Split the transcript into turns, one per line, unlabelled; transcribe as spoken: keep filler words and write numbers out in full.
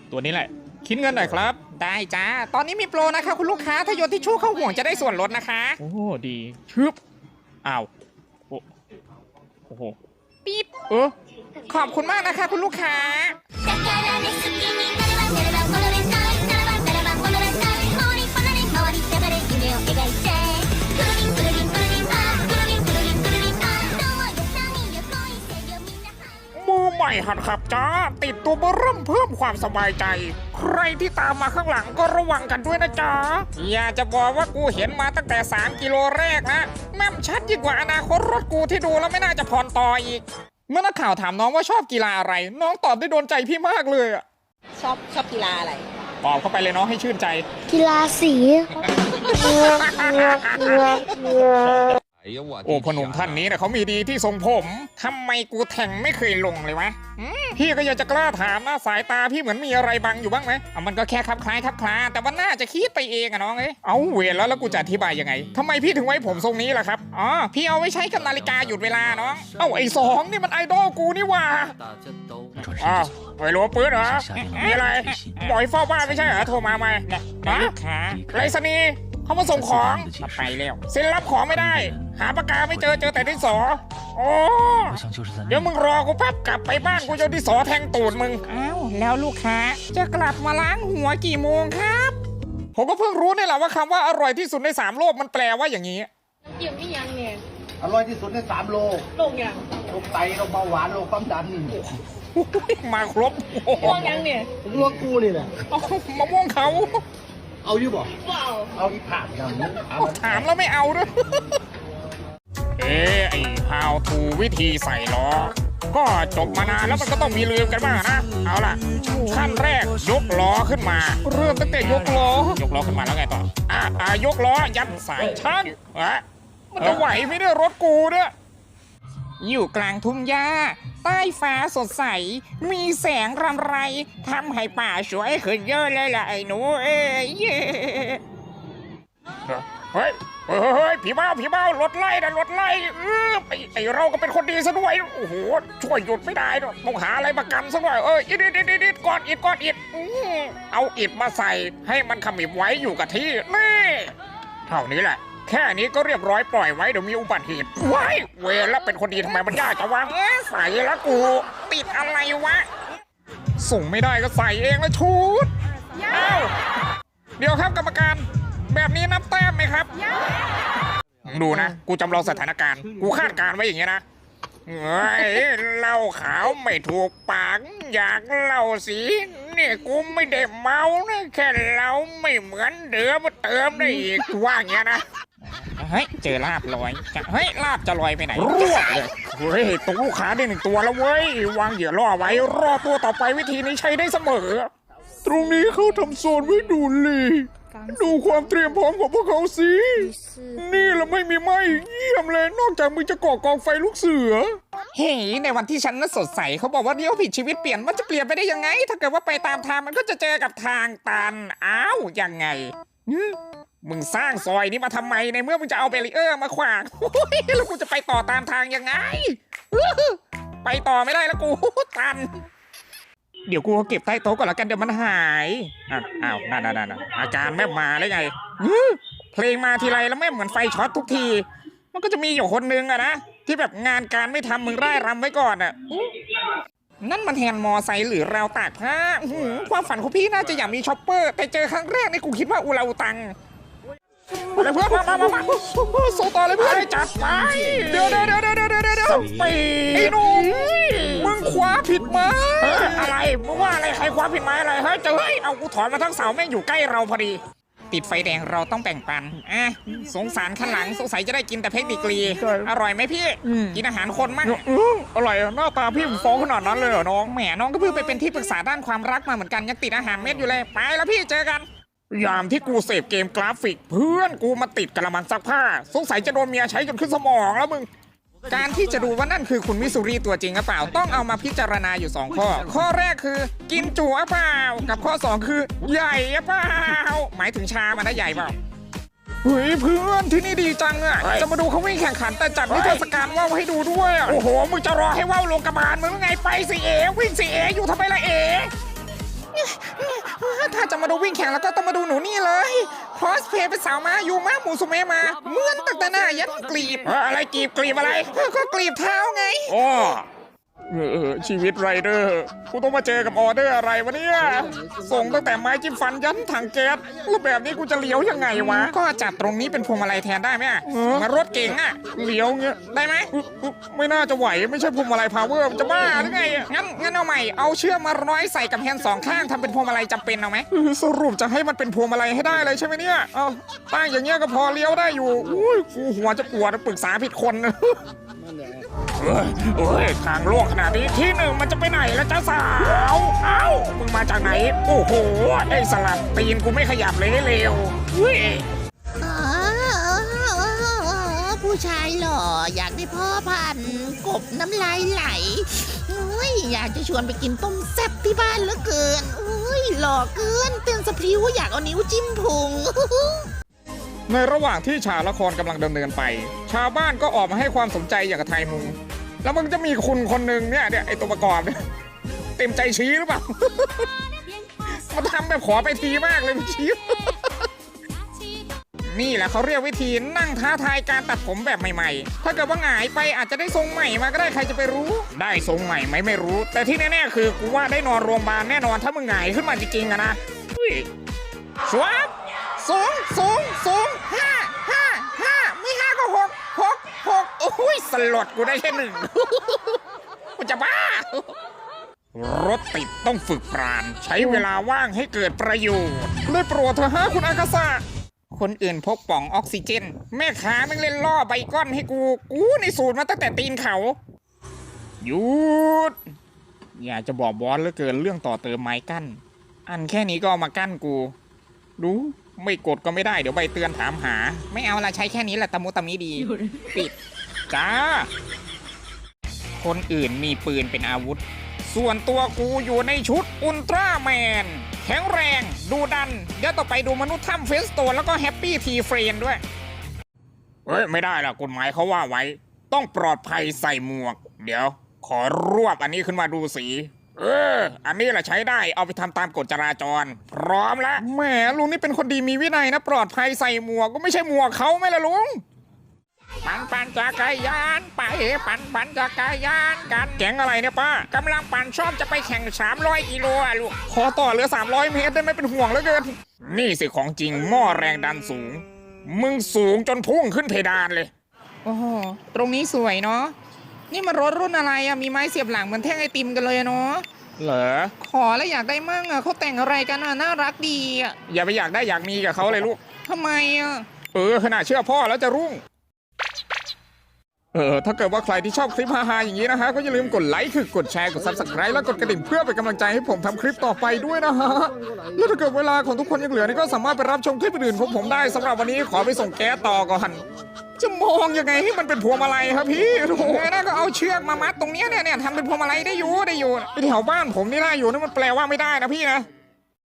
ตัวนี้แหละคิดเงินหน่อยครับได้จ้าตอนนี้มีโปรนะคะคุณลูกค้าถ้าโยนทิชชู่เข้าห่วงจะได้ส่วนลดนะคะโอ้ดีชึบอ้าวโอ้โอ้โหปี๊ดเออขอบคุณมากนะคะคุณลูกค้ามือใหม่หัดขับจ้าติดตัวเบอร์เริ่มเพิ่มความสบายใจใครที่ตามมาข้างหลังก็ระวังกันด้วยนะจ๊ะอย่าจะบอกว่ากูเห็นมาตั้งแต่สามกิโลแรกนะแม่มชัดยิ่งกว่าอนาคตรถกูที่ดูแล้วไม่น่าจะผ่อนต่ออีกเมื่อนักข่าวถามน้องว่าชอบกีฬาอะไรน้องตอบได้โดนใจพี่มากเลยอะ
ชอบชอบกีฬาอะไร
ตอบเข้าไปเลยน้องให้ชื่นใจ
กีฬาสี
โอ้พนุ่มท่านนี้นะเขามีดีที่ทรงผมทำไมกูแทงไม่เคยลงเลยวะพี่ก็อยากจะกล้าถามนะสายตาพี่เหมือนมีอะไรบังอยู่บ้างไหมเอามันก็แค่คลับคล้ายคลับคลาแต่ว่าน่าจะคิดไปเองอะน้องเอ้ยเอาเวรแล้วแล้วกูจะอธิบายยังไงทำไมพี่ถึงไว้ผมทรงนี้ล่ะครับอ๋อพี่เอาไว้ใช้กับนาฬิกาหยุดเวลาน้องเอ้าไอ้สองนี่มันไอดอลกูนี่ว่าอ้าวไอ้หลวงปืนเหรอมีอะไรบอยเฝ้าบ้านไม่ใช่เหรอโทรมาไหมฮะไรสนีเขามาส่งของมาไปแล้วเซ็นรับของไม่ได้หาปากกาไม่เจอเจอแต่ดินสอโอ้เดี๋ยวมึงรอกูแป๊บกลับไปบ้านกูจะดินสอแทงตูดมึงอ้าวแล้วลูกค้าจะกลับมาล้างหัวกี่โมงครับผมก็เพิ่งรู้นี่แหละว่าคำว่าอร่อยที่สุดในสามโลกมันแปลว่าอย่างนี้
เกี่ยวนี่ยังเนี่ย
อร่อยที่สุดในสามโล
โรคยัง
โรคไตโรคเบาหวานโรคความดัน
มาครบ
โรคยังเนี่ย
ลวกกูนี่แหละ
มะม่วงเขา
เอาอยู่บ่เอาอีผ่านอย่างนี้
ถามแล้วไม่เอาด้วยเอ๊ะไอ้ how to วิธีใส่ล้อก็จบมานานแล้วมันก็ต้องมีลืมกันบ้างนะเอาล่ะขั้นแรกยกล้อขึ้นมาเริ่มตั้งแต่ยกล้อยกล้อขึ้นมาแล้วไงต่ออ่ะอ่ะยกล้อยัดสายช่างอ่ะมันจะไหวไหมเนี่ยรถกูเนี่ยอยู่กลางทุ่งหญ้าใต้ฟ้าสดใสมีแสงรำไรทำให้ป่าสวยขึ้นเยอะเลยล่ะไอ้หนูเอ้ยเฮ้ยเฮ้ยผีเบ้าผีเบ้ารถไล่นะรถไล่เออไอไอเราก็เป็นคนดีซะด้วยโอ้โหช่วยหยุดไม่ได้ต้องหาอะไรมากันซะหน่อยเอออิดอิดอิดอิดก้อนอิดก้อนอิดเอาอิดมาใส่ให้มันขมิบไว้อยู่กับที่นี่เท่านี้แหละแค่นี้ก็เรียบร้อยปล่อยไว้เดี๋ยวมีอุบัติเหตุว้ายเวรแล้วเป็นคนดีทำไมมันยากจังวะใส่แล้วกูติดอะไรวะส่งไม่ได้ก็ใส่เองแล้วชุดอ้าวเดี๋ยวครับกรรมการแบบนี้นับแต้มไหมครับดูนะกูจำลองสถานการณ์กูคาดการไว้อย่างเงี้ยนะเฮ้ยเหล้าขาวไม่ถูกปากอยากเหล้าสีเนี่ยกูไม่ได้เมานะแค่เราไม่เหมือนเดิมมาเติมได้อีกว่าอย่างเงี้ยนะเฮ้ยเจอลาบลอยเฮ้ยลาบจะลอยไปไหนรวบเลยเฮ้ยตรงลูกค้าได้หนึ่งตัวแล้วเว้ยวางเหยื่อล่อไว้รอตัวต่อไปวิธีนี้ใช้ได้เสมอตรงนี้เขาทำโซนไว้ดูเลยดูความเตรียมพร้อมของพวกเขาสินี่ละไม่มีไหมเยี่ยมเลยนอกจากมึงจะก่อกองไฟลูกเสือเฮ้ยในวันที่ฉันน่ะสดใสเขาบอกว่าเดี๋ยวผิดชีวิตเปลี่ยนมันจะเปลี่ยนไปได้ยังไงถ้าเกิดว่าไปตามทางมันก็จะเจอกับทางตันอ้าวยังไงมึงสร้างซอยนี้มาทำไมในเมื่อมึงจะเอาเบรีเออร์มาขวางแล้วกูจะไปต่อตามทางยังไงไปต่อไม่ได้แล้วกูตันเดี๋ยวกูเก็บใต้โต๊ะก่อนละกันเดี๋ยวมันหายอ้าวนั่นนั่นอาการแม่มาได้ไงเพลงมาทีไรแล้วแม่เหมือนไฟช็อตทุกทีมันก็จะมีอยู่คนนึงอะนะที่แบบงานการไม่ทำมึงไร้รำไว้ก่อนอะนั่นมันแฮนด์มอไซค์หรือราวตากผ้าความฝันของพี่น่าจะอยากมีช็อปเปอร์แต่เจอครั้งแรกนี่กูคิดว่าอูราอูตังอะไรเพื่อนมามามามาโซต่อเลยเพื่อนจัดไปเดี๋ยวเดี๋ยวเดี๋ยวเดี๋ยวเดี๋ยวเดี๋ยวสปีดไอ้หนุ่มมึงคว้าผิดมาอะไรมึงว่าอะไรใครคว้าผิดมาอะไรเฮ้ยเจอเฮ้ยเอากูถอนมาทั้งเสาแม่งอยู่ใกล้เราพอดีติดไฟแดงเราต้องแบ่งปันอ่ะสงสารข้างหลังสงสัยจะได้กินแต่เพชรดีกรีอร่อยไหมพี่กินอาหารคนมั้งอร่อยหน้าตาพี่มึงฟ้องขนาดนั้นเลยเหรอน้องแหมน้องก็เพิ่งไปเป็นที่ปรึกษาด้านความรักมาเหมือนกันยังติดอาหารเม็ดอยู่เลยไปแล้วพี่เจอกันยามที่กูเสพเกมกราฟิกเพื่อนกูมาติดกระมังซักผ้าสงสัยจะโดนเมียใช้จนขึ้นสมองแล้วมึงการที่จะดูว่านั่นคือคุณมิสุรีตัวจริงหรือเปล่าต้องเอามาพิจารณาอยู่สองข้อข้อแรกคือกินจุหรือเปล่ากับข้อสองคือใหญ่หรือเปล่าหมายถึงชามันนะใหญ่เปล่าเฮ้ยเพื่อนที่นี่ดีจังอ่ะจะมาดูเขาวิ่งแข่งขันแต่จัดนิทรรศการว่าวให้ดูด้วยโอ้โหมึงจะรอให้ว่าวลงกระบาลมึงไงไปสิเอวิ่งสิเออยู่ทำไมล่ะเอจะมาดูวิ่งแข่งแล้วก็ต้องมาดูหนูนี่เลยคอสเพลย์เป็นสาวม้าอยู่ม้าหมูสุเมมาเหมือนตั้งแต่หน้ายันกลีบอะไรกลีบกลีบอะไรก็กลีบเท้าไงอ๋อเออชีวิตไรเดอร์กูต้องมาเจอกับออเดอร์อะไรวะเนี่ยส่งตั้งแต่ไม้จิ้มฟันยันถังแก๊สแล้วแบบนี้กูจะเลี้ยวยังไงวะก็จัดตรงนี้เป็นพวงมาลัยแทนได้ไหมมารถเก่งอะเลี้ยวเงี้ยได้ไหมไม่น่าจะไหวไม่ใช่พวงมาลัยพาวเวอร์จะบ้าหรือไงงั้นงั้นเอาใหม่เอาเชือกมาร้อยใส่กับแฮนด์สองข้างทำเป็นพวงมาลัยจำเป็นเอาไหมสรุปจะให้มันเป็นพวงมาลัยให้ได้เลยใช่ไหมเนี่ยเอาตั้งอย่างเงี้ยก็พอเลี้ยวได้อยู่อุ้ยกูหัวจะปวดปรึกษาผิดคนเอ้ยเอ้ยทางโลกขนาดนี้ที่หนึ่งมันจะไปไหนแล้วจ้าสาวเอ้ามึงมาจากไหนโอ้โหไอ้สลัดตีนกูไม่ขยับเลยให้เร็วเฮ้ย
อ๋อผู้ชายหล่ออยากได้พ่อพันธุ์กบน้ำลายไหลอุ้ยอยากจะชวนไปกินต้มแซ่บที่บ้านเหลือเกินอุ้ยหล่อเกินเต้นสะพริ้วอยากเอานิ้วจิ้มพุง
ในระหว่างที่ฉากละครกำลังดำเนินไป ชาวบ้านก็ออกมาให้ความสนใจอย่างกับไทยมุงแล้วมึงจะมีคุณคนหนึ่งเนี่ยเนี่ยไอตัวประกอบเนี่ยเต็มใจชี้หรือเปล่า มันทำแบบขอไปทีมากเลยชี้ นี่แหละเขาเรียกวิธีนั่งท้าทายการตัดผมแบบใหม่ๆ ถ้าเกิดว่าหงายไปอาจจะได้ทรงใหม่มาก็ได้ใครจะไปรู้ ได้ทรงใหม่ไหมไม่รู้ แต่ที่แน่ๆคือกูว่าได้นอนโรงพยาบาลแน่นอนถ้ามึงหงายขึ้นมาจริงๆอะนะสวบสูงสูงสูงห้าห้าห้าไม่ห้าก็หกหกหกโอ้ยสลดกูได้แค่หนึ่ง กูจะบ้ารถติดต้องฝึกปราณใช้เวลาว่างให้เกิดประโยชน์ได้โปรดเถอะฮะคุณอากาศะคนอื่นพกป่องออกซิเจนแม่ค้าแม่งเล่นล่อใบก้อนให้กูกูในสูตรมาตั้งแต่ตีนเขาหยุดอยากจะบอกบอสเหลือเกินเรื่องต่อเติมไม้กั้นอันแค่นี้ก็เอามากั้นกูดูไม่กดก็ไม่ได้เดี๋ยวใบเตือนถามหาไม่เอาละใช้แค่นี้แหละตะมุตะมิดีปิดจ้าคนอื่นมีปืนเป็นอาวุธส่วนตัวกูอยู่ในชุดอุลตร้าแมนแข็งแรงดูดันเดี๋ยวต่อไปดูมนุษย์ถ้ำเฟสโตนแล้วก็แฮปปี้ทีเฟรนด้วยเฮ้ยไม่ได้ล่ะกฎหมายเขาว่าไว้ต้องปลอดภัยใส่หมวกเดี๋ยวขอรวบอันนี้ขึ้นมาดูสีเอออันนี้แหละใช้ได้เอาไปทำตามกฎจราจรพร้อมแล้วแหมลุงนี่เป็นคนดีมีวินัยนะปลอดภัยใส่หมวกก็ไม่ใช่หมวกเขาไม่ละลุงปันปันจักรยานไปปันปันจักรยานกันแก๊งอะไรเนี่ยป้ากำลังปั่นชอบจะไปแข่งสามร้อยกิโลอ่ะลูกขอต่อเหลือสามร้อยเมตรได้ไหมเป็นห่วงเหลือเกินนี่สิของจริงหม้อแรงดันสูงมึงสูงจนพุ่งขึ้นเพดานเลยโอ้โหตรงนี้สวยเนาะนี่มันรถรุ่นอะไรอะมีไม้เสียบหลังเหมือนแท่งไอติมกันเลยเนาะเหรอขอแล้วอยากได้มั่งอะเขาแต่งอะไรกันอะน่ารักดีอะอย่าไปอยากได้อยากมีกับเขาเลยลูกทำไมอะเออขนาดเชื่อพ่อแล้วจะรุ่งเออถ้าเกิดว่าใครที่ชอบคลิปฮาๆอย่างนี้นะฮะก็อย่าลืมกดไลค์คือกดแชร์กด ซับสไครบ์ แล้วกดกระดิ่งเพื่อเป็นกำลังใจให้ผมทำคลิปต่อไปด้วยนะฮะแล้วถ้าเกิดเวลาของทุกคนยังเหลือนี่ก็สามารถไปรับชมคลิปอื่นๆของผมได้สำหรับวันนี้ขอไปส่งแก๊สต่อก่อนจะมองยังไงให้มันเป็นพวงมาลัยครับพี่โอ้โหน่าก็เอาเชือกมามัดตรงนี้เนี่ยเนี่ยทำเป็นพวงมาลัยได้อยู่ได้อยู่ที่แถวบ้านผมนี่ได้อยู่นั่นมันแปลว่าไม่ได้นะพี่นะ